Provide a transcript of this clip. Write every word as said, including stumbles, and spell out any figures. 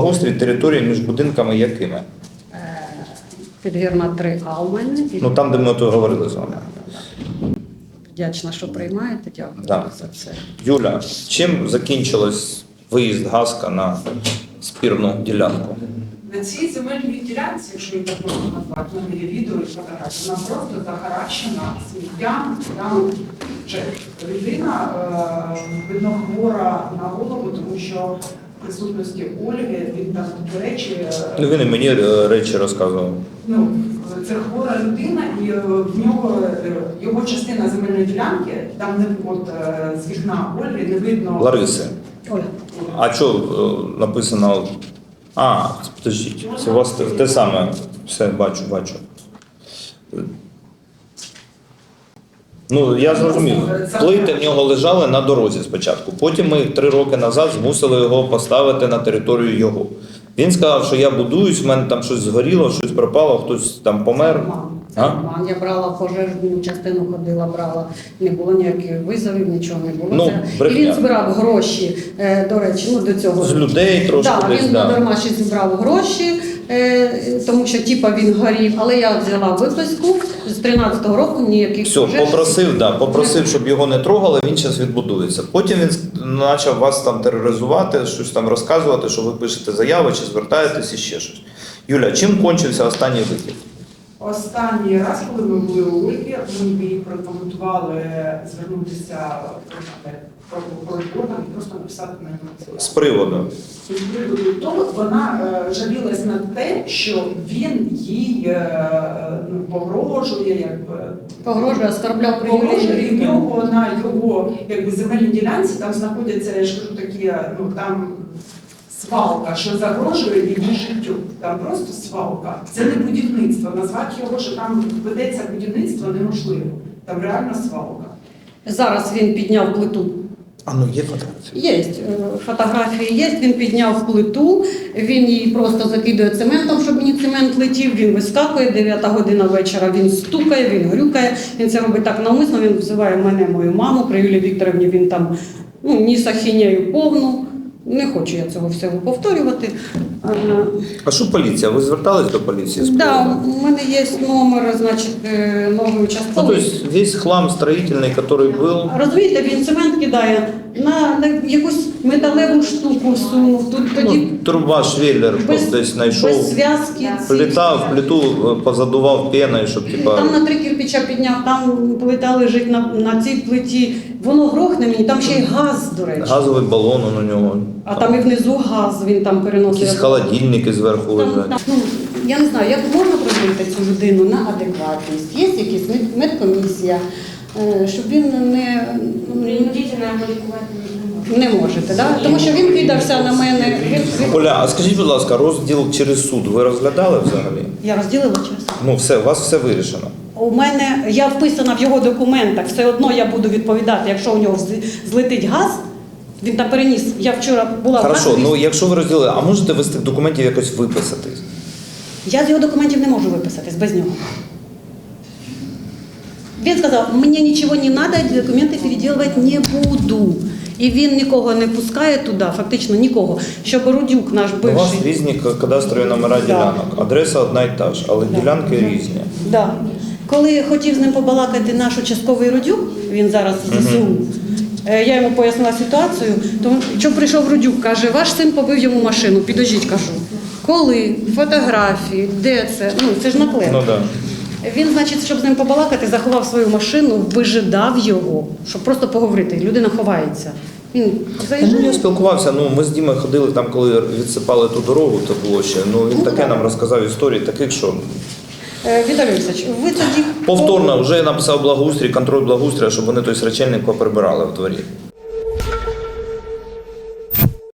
Благоустрій території між будинками якими? Підгірна три А у мене. Ну там, де ми то говорили з вами. Вдячна, що приймаєте. Дякую Да. за це. Юля, чим закінчилось виїзд Гаска на спірну ділянку? На цій земельній ділянці, якщо її так можна назвати, в мене є відео і фотографії, вона просто захаращена сміттям, там вже людина, е, видно, хвора на голову, тому що в присутності Ольги він там такі речі. е, Ну він і мені е, речі розказував. Ну, це хвора людина, і е, в нього е, його частина земельної ділянки, там не от е, з вікна Ольги не видно. Лариси. Оля. А що е, написано? А, подождіть, це у вас те, те саме. Все, бачу, бачу. Ну, я зрозумів. Плити в нього лежали на дорозі спочатку. Потім ми три роки назад змусили його поставити на територію його. Він сказав, що я будуюсь, в мене там щось згоріло, щось пропало, хтось там помер. А? Обман. Я брала пожежну частину, ходила, брала. Не було ніяких визовів, нічого не було. Ну, Це- і брехня. він збирав гроші, е, до речі, ну до цього. З людей трошки Да, десь, він да. дарма ще зібрав гроші, е, тому що типа він горів, але я взяла виписку з тринадцятого року, ніяких Все, пожеж. попросив, да, попросив, щоб його не трогали, він зараз відбудується. Потім він почав вас там тероризувати, щось там розказувати, що ви пишете заяви чи звертаєтесь і ще щось. Юля, чим кончився останній вихід? Останній раз, коли ми були у Ольги, ми їй прокоментували звернутися в прокуратуру і просто написати на нього З заяву. приводу. І з приводу того, вона е, жалілась на те, що він їй е, ну, погрожує, якби Погрожує, оскорбляв погрожує, і в привілегії. нього на його якби земельній ділянці там знаходяться, я ж кажу, такі, ну там. Свалка, що загрожує її життю. Там просто свалка. Це не будівництво. Назвати його, що там ведеться будівництво, неможливо. Там реально свалка. Зараз він підняв плиту. А ну є фотографії? Є е, фотографії, є. Він підняв плиту, він її просто закидує цементом, щоб мені цемент летів. Він вискакує, дев'ята година вечора. Він стукає, він грюкає. Він це робить так навмисно. Він взиває мене, мою маму. При Юлії Вікторівні він там ну, ніс ахінею повну. Не хочу я цього всього повторювати. А що поліція? Ви звертались до поліції? з Так, да, приводу? у мене є номер, значить, е, нової Ну, то участкової. есть весь хлам строительный, который был, Розумієте, він цемент кидає на, на якусь металеву штуку всунув. Тут тоді ну, труба швеллер без, десь знайшов, без зв'язки. ці- плита, в плиту е, позадував пеною, щоб типа... Там на три кирпича підняв, там плита лежить на, на цій плиті. Воно грохне мені, там ще й газ, до речі. Газовий балон он у нього. А там і внизу газ, він там переносить. Якісь холодильники зверху Там, лежать. там, ну, я не знаю, як можна прожити цю людину на адекватність. Є якась мед- медкомісія, е, щоб він не, ну, Принудительно лікувати не можна. не можете, да? Тому що він кидався на мене. Він, він... Оля, а скажіть, будь ласка, розділ через суд ви розглядали взагалі? Я розділила чесно. Ну все, у вас все вирішено. У мене, я вписана в його документах, все одно я буду відповідати, якщо у нього з- злетить газ, він там переніс. Я вчора була в Хорошо, газовій- ну якщо ви розділили, а можете ви з тих документів якось виписатись? Я з його документів не можу виписатись без нього. Він сказав, мені нічого не треба, документи переділувати не буду. І він нікого не пускає туди, фактично нікого. Щоб Рудюк наш У вас бивший. різні к- кадастрові номера Да. ділянок, адреса одна і та ж, але Да. ділянки різні. Да. Коли хотів з ним побалакати наш участковий Рудюк, він зараз в ЗСУ, е, я йому пояснила ситуацію, тому що прийшов Рудюк, каже, ваш син побив йому машину, підождіть, кажу. Коли? Фотографії, де це? Ну, це ж наклеп. Ну да. Він, значить, щоб з ним побалакати, заховав свою машину, вижидав його, щоб просто поговорити. Людина ховається. Він Ну, заїжджає. я спілкувався, ну ми з Дімою ходили там, коли відсипали ту дорогу, то було ще. Ну він Ну, таке так. нам розказав історії, таких, що Е, Віталій Олексійович, ви тоді... повторно вже написав благоустрій, контроль благоустрія, щоб вони той срачельник поприбирали в дворі.